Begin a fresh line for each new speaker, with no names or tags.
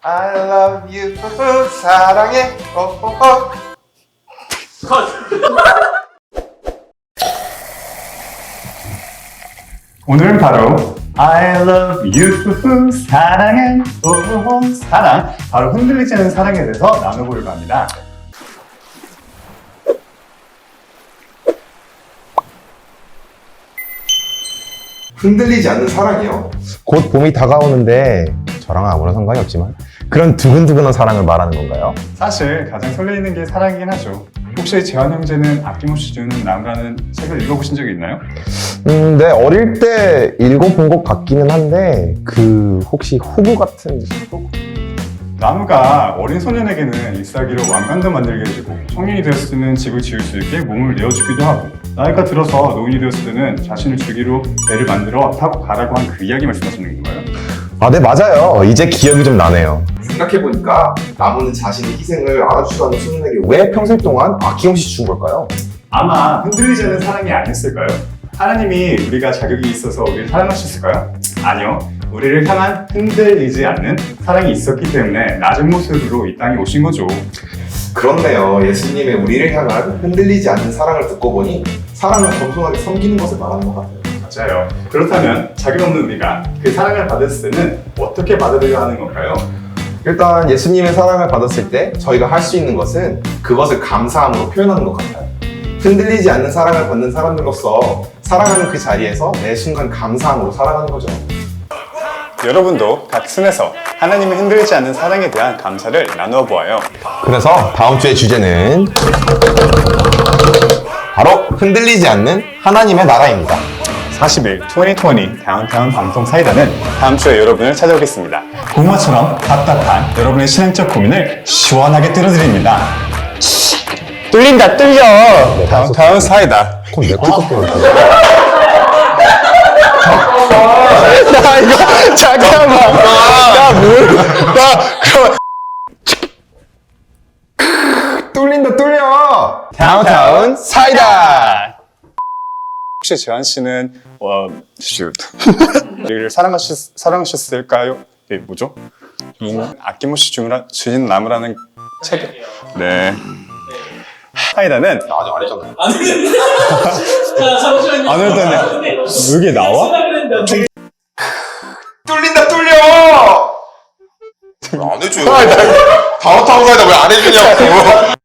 I love you 사랑해 꼭. 오늘은 바로 I love you 사랑해 사랑, 바로 흔들리지 않는 사랑에 대해서 나눠보려고 합니다.
흔들리지 않는 사랑이요?
곧 봄이 다가오는데 저랑은 아무런 상관이 없지만 그런 두근두근한 사랑을 말하는 건가요?
사실 가장 설레이는 게 사랑이긴 하죠. 혹시 재환 형제는 아낌없이 주는 나무라는 책을 읽어보신 적이 있나요?
네, 어릴 때 읽어본 것 같기는 한데 혹시 후구 같은 후구?
나무가 어린 소년에게는 잎사귀로 왕관도 만들게 해주고 성인이 되었을 때는 집을 지을 수 있게 몸을 내어주기도 하고 나이가 들어서 노인이 되었을 때는 자신을 주기로 배를 만들어 타고 가라고 한 그 이야기 말씀하시는 건가요?
아, 네, 맞아요. 이제 기억이 좀 나네요.
생각해보니까 나무는 자신의 희생을 알아주지도 않는 소년에게 왜 평생 동안 아낌없이 준 걸까요?
아마 흔들리지 않는 사랑이 아니었을까요? 하나님이 우리가 자격이 있어서 우리를 사랑하셨을까요? 아니요. 우리를 향한 흔들리지 않는 사랑이 있었기 때문에 낮은 모습으로 이 땅에 오신 거죠.
그렇네요. 예수님의 우리를 향한 흔들리지 않는 사랑을 듣고 보니 사랑은 겸손하게 섬기는 것을 말하는 것 같아요.
맞아요. 그렇다면 자격 없는 우리가 그 사랑을 받았을 때는 어떻게 받아들여야 하는 건가요?
일단 예수님의 사랑을 받았을 때 저희가 할 수 있는 것은 그것을 감사함으로 표현하는 것 같아요. 흔들리지 않는 사랑을 받는 사람들로서 사랑하는 그 자리에서 매 순간 감사함으로 살아가는 거죠.
여러분도 각 순에서 하나님의 흔들리지 않는 사랑에 대한 감사를 나누어 보아요.
그래서 다음 주의 주제는 바로 흔들리지 않는 하나님의 나라입니다.
40일 2020 다운타운 방송 사이다는 다음 주에 여러분을 찾아오겠습니다. 고구마처럼 답답한 여러분의 신앙적 고민을 시원하게 뚫어드립니다. 뚫린다 뚫려. 다운타운 사이다.
그럼 내 꿀꺽거려.
나 이거 잠깐만.
뚫린다 뚫려!
다운타운 사이다. 혹시 재환 씨는 우리를 사랑하셨을까요? 네, 뭐죠? 아낌없이 주신 나무라는 책. 네. 사이다는
나 아직 안 했잖아요.
자, 잠시만요.
안 했다네. 여기 나와?
뚫린다 뚫려! 안 해줘요. 다운타운 사이다 왜 안 해주냐고.